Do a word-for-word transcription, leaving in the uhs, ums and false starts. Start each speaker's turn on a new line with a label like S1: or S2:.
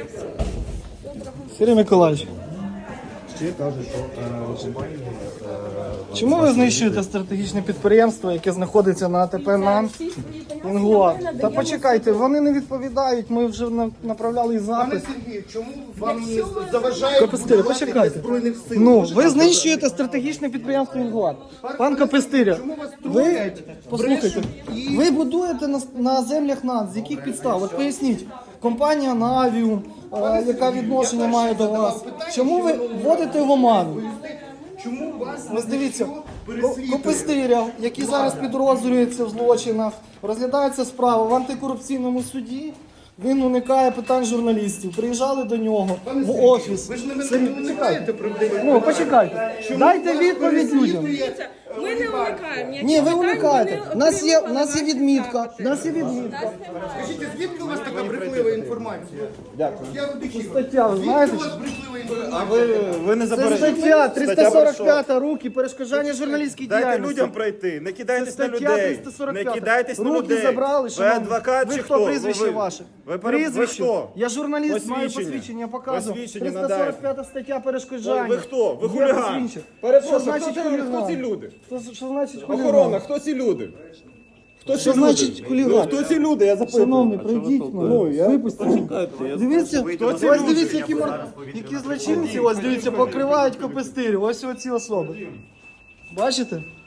S1: Сергій Миколаївич,
S2: Ще кажуть, що е, компанії... е,
S1: чому ви знищуєте стратегічне підприємство, яке знаходиться на АТП НАН Інгуа? Та почекайте, вони не відповідають, ми вже на- направляли
S2: Пане
S1: запит.
S2: Сергію, чому вам не заважає
S1: Капестиря,
S2: будувати
S1: почекайте.
S2: для Збройних сил?
S1: Ну,
S2: Можете
S1: ви
S2: нам
S1: знищуєте стратегічне підприємство Інгуа. Пан Капестиря,
S2: Чому вас
S1: ви,
S2: тролять,
S1: послухайте,
S2: брешуть і-
S1: ви будуєте на, на землях НАН, з яких підстав? От поясніть, компанія Навіум, е, яка відношення має до вас, чому ви вводите в оману?
S2: Чому вас
S1: Ось дивіться,
S2: переслідує?
S1: Копистиря, який зараз підозрюється в злочинах, розглядається справа в антикорупційному суді. Він уникає питань журналістів. Приїжджали до нього
S2: Пане
S1: в
S2: Сергію,
S1: офіс.
S2: Ви ж не
S1: Сергій,
S2: не уникаєте проблеми.
S1: Ну, почекайте. Дайте
S2: вас
S1: відповідь людям.
S2: переслідує?
S3: Ми не уникаємо.
S1: Ні, ви
S3: Ніяких
S1: уникаєте.
S3: питань
S1: У нас є, у
S3: отримували
S1: нас є
S3: ваші
S1: відмітка.
S3: запити.
S1: У нас є відмітка.
S2: Скажіть, звідки у вас така брехлива інформація? Дякую. Я вдихів.
S1: Стаття, ви
S2: Звідки
S1: знаєте?
S2: у вас брехлива інформація?
S4: А ви, ви не
S1: Це
S4: заберете.
S1: стаття триста сорок п'ять руки, перешкоджання журналістській
S4: Дайте
S1: діяльності.
S4: людям пройти, не
S1: Це
S4: кидайтесь на
S1: стаття
S4: людей.
S1: триста сорок
S4: Не
S1: п'ять.
S4: кидайтесь на
S1: Руки
S4: людей.
S1: забрали,
S4: Ви
S1: шановні.
S4: адвокат
S1: Ви
S4: чи
S1: хто,
S4: хто?
S1: прізвище
S4: ви,
S1: ваше?
S4: Ви, ви,
S1: Прізвище.
S4: ви хто?
S1: Я журналіст, маю
S4: Посвідчення.
S1: посвідчення, я показую.
S4: Посвідчення
S1: триста сорок п'ята стаття перешкоджання.
S4: Ви- ви хто? Ви
S1: Є
S4: хуліган.
S1: посвідчення. Що
S5: Перепрошую,
S1: значить
S5: хто, це-
S1: хуліган?
S5: хто ці люди?
S1: Що, що значить хуліган?
S5: Охорона, хто ці люди? Хто
S1: Що
S5: ці
S1: значить
S5: люди?
S1: хуліган?
S5: Ну, хто ці люди? Я запитую.
S1: Шановний, пройдіть, ну, випустіть. Дивіться, ось
S4: люди?
S1: дивіться, які, мор- які злочинці, ось дивіться, покривають Копистирю, ось оці особи. Бачите?